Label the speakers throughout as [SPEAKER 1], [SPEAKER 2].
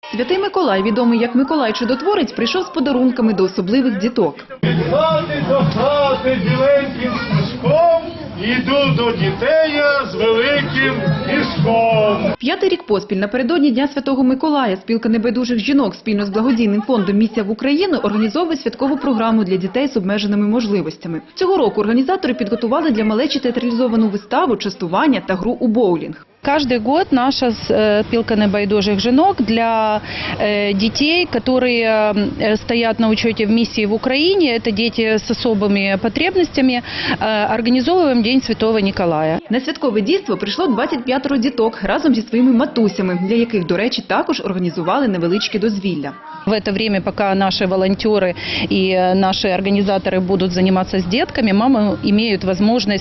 [SPEAKER 1] Святий Миколай, відомий як Миколай Чудотворець, прийшов з подарунками до особливих діток.
[SPEAKER 2] Від хати до хати біленьким стежком іду до дітей я з великим мішком.
[SPEAKER 1] 5-й рік поспіль напередодні Дня Святого Миколая спілка небайдужих жінок спільно з благодійним фондом «Місія в Україну» організовує святкову програму для дітей з обмеженими можливостями. Цього року організатори підготували для малечі театралізовану виставу, частування та гру у боулінг.
[SPEAKER 3] Каждый год наша спилка небайдужих жінок для детей, которые стоят на учете в миссии в Украине, это дети с особыми потребностями, организовываем День Святого Николая.
[SPEAKER 1] На святкове дійство прийшло 25 діток разом зі своїми матусями, для яких, до речі, також організували невеличке дозвілля.
[SPEAKER 3] В это время, пока наши волонтеры и наши организаторы будут заниматься с детками, мамы имеют возможность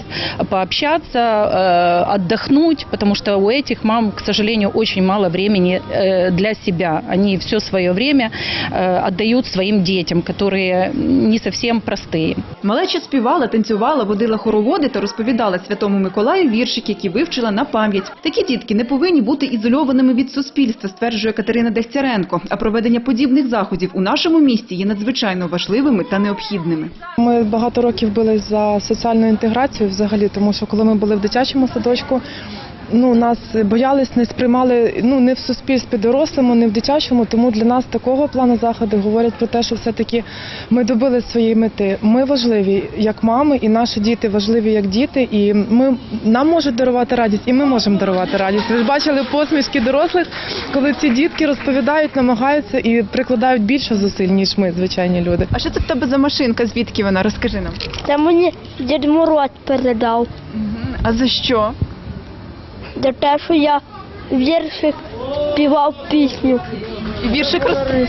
[SPEAKER 3] пообщаться, отдохнуть, потому что у этих мам, к сожалению, очень мало времени для себя. Они все свое время отдают своим детям, которые не совсем простые.
[SPEAKER 1] Малеча співала, танцювала, водила хороводи та розповідала Святому Миколаю віршики, які вивчила на пам'ять. Такі дітки не повинні бути ізольованими від суспільства, стверджує Катерина Дегтяренко. А проведення подібних заходів у нашому місті є надзвичайно важливими та необхідними.
[SPEAKER 4] Ми багато років бились за соціальну інтеграцію взагалі, тому що коли ми були в дитячому садочку, нас боялись, не сприймали не в суспільстві дорослому, не в дитячому, тому для нас такого плану заходи говорять про те, що все-таки ми добили своєї мети. Ми важливі як мами, і наші діти важливі як діти, і нам можуть дарувати радість, і ми можемо дарувати радість. Ви ж бачили посмішки дорослих, коли ці дітки розповідають, намагаються і прикладають більше зусиль, ніж ми, звичайні люди.
[SPEAKER 1] А що це в тебе за машинка? Звідки вона? Розкажи нам.
[SPEAKER 5] Це мені Дід Мороз передав.
[SPEAKER 1] А за що?
[SPEAKER 5] За те, що я віршик співав пісню.
[SPEAKER 1] Віршик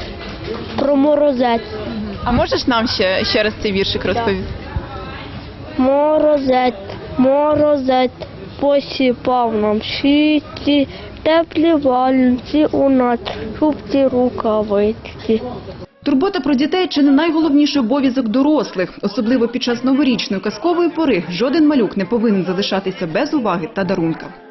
[SPEAKER 5] Про морозець.
[SPEAKER 1] А можеш нам ще раз цей віршик розповісти?
[SPEAKER 5] Морозець, морозець, посіпав нам щиті, теплі валянці у нас, шубці рукавички.
[SPEAKER 1] Турбота про дітей – чи не найголовніший обов'язок дорослих. Особливо під час новорічної казкової пори жоден малюк не повинен залишатися без уваги та дарунка.